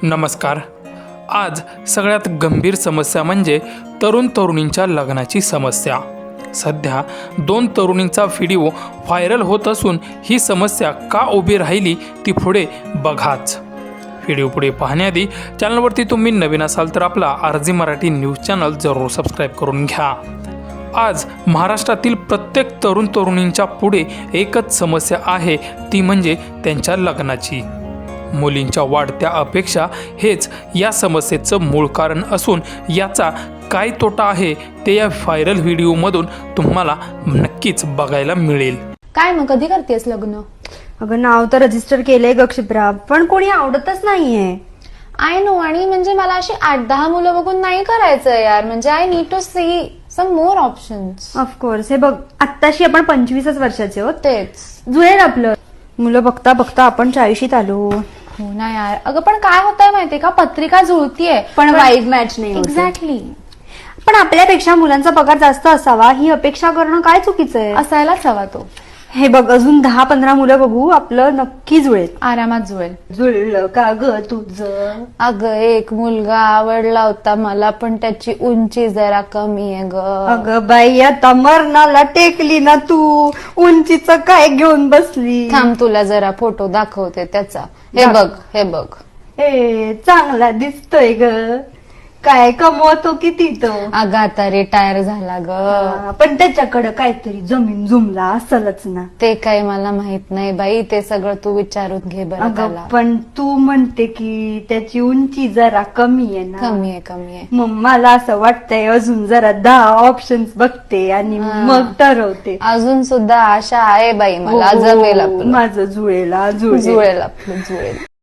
नमस्कार. आज सगळ्यात गंभीर समस्या म्हणजे तरुण तरुणींच्या लग्नाची समस्या. सध्या 2 तरुणींचा व्हिडिओ व्हायरल होत असून ही समस्या का उभी राहिली ती पुढे बघाच. व्हिडिओ पुढे पाहण्याआधी चॅनलवरती तुम्ही नवीन असाल तर आपला RG मराठी न्यूज चॅनल जरूर सबस्क्राईब करून घ्या. आज महाराष्ट्रातील प्रत्येक तरुण तरुणींच्या पुढे एकच समस्या आहे, ती म्हणजे त्यांच्या लग्नाची. मुलींच्या वाढत्या अपेक्षा हेच या समस्येचं मूळ कारण असून याचा काय तोटा आहे ते या व्हायरल व्हिडिओमधून तुम्हाला नक्कीच बघायला मिळेल. काय मग कधी करतेस लग्न? अगं नाव तर रजिस्टर केलंय ग क्षिप्रा, पण कोणी आवडतच नाहीये. I know. आणि म्हणजे मला अशी 8-10 मुलं बघून नाही करायचं यार. म्हणजे I need to see some more options. Of course. हे बघ, आत्ताशी आपण 25 वर्षाचे आहोत. तेच जुळेल आपलं. मुलं बघता बघता आपण 40शीत आलो. हो ना यार. अगं पण काय होतंय माहितीये का, पत्रिका जुळतीये पण वाईब मॅच नाही होते. एक्झॅक्टली. पण आपल्यापेक्षा मुलांचा पगार जास्त असावा ही अपेक्षा करणं काय चुकीचं आहे? असायलाच हवा तो. हे बघ, अजून 10-15 मुलं बघू, आपलं नक्की जुळेल. आरामात जुळेल. जुळलं का ग तुझं? अगं एक मुलगा आवडला होता मला, पण त्याची उंची जरा कमी आहे ग. अगं बाई, आता मरणाला टेकली ना तू. उंचीचं काय घेऊन बसली? थांब, तुला जरा फोटो दाखवते त्याचा. हे बघ, हे बघ. ए, चांगला दिसतोय ग. काय कमवतो किती तो? अगं आता रिटायर झाला ग. पण त्याच्याकडे काहीतरी जमीन जुमला असेलच ना. ते काही मला माहित नाही बाई. ते सगळं तू विचारून घे बरं अगं त्याला. पण तू म्हणते की त्याची उंची जरा कमी आहे ना. कमी आहे, कमी आहे. मग मला असं वाटतंय अजून जरा 10 ऑप्शन्स बघते आणि मग ठरवते. अजून सुद्धा आशा आहे बाई मला. हो, जमेल आपलं. माझं जुळेल जुळेल आपलं, जुळेल.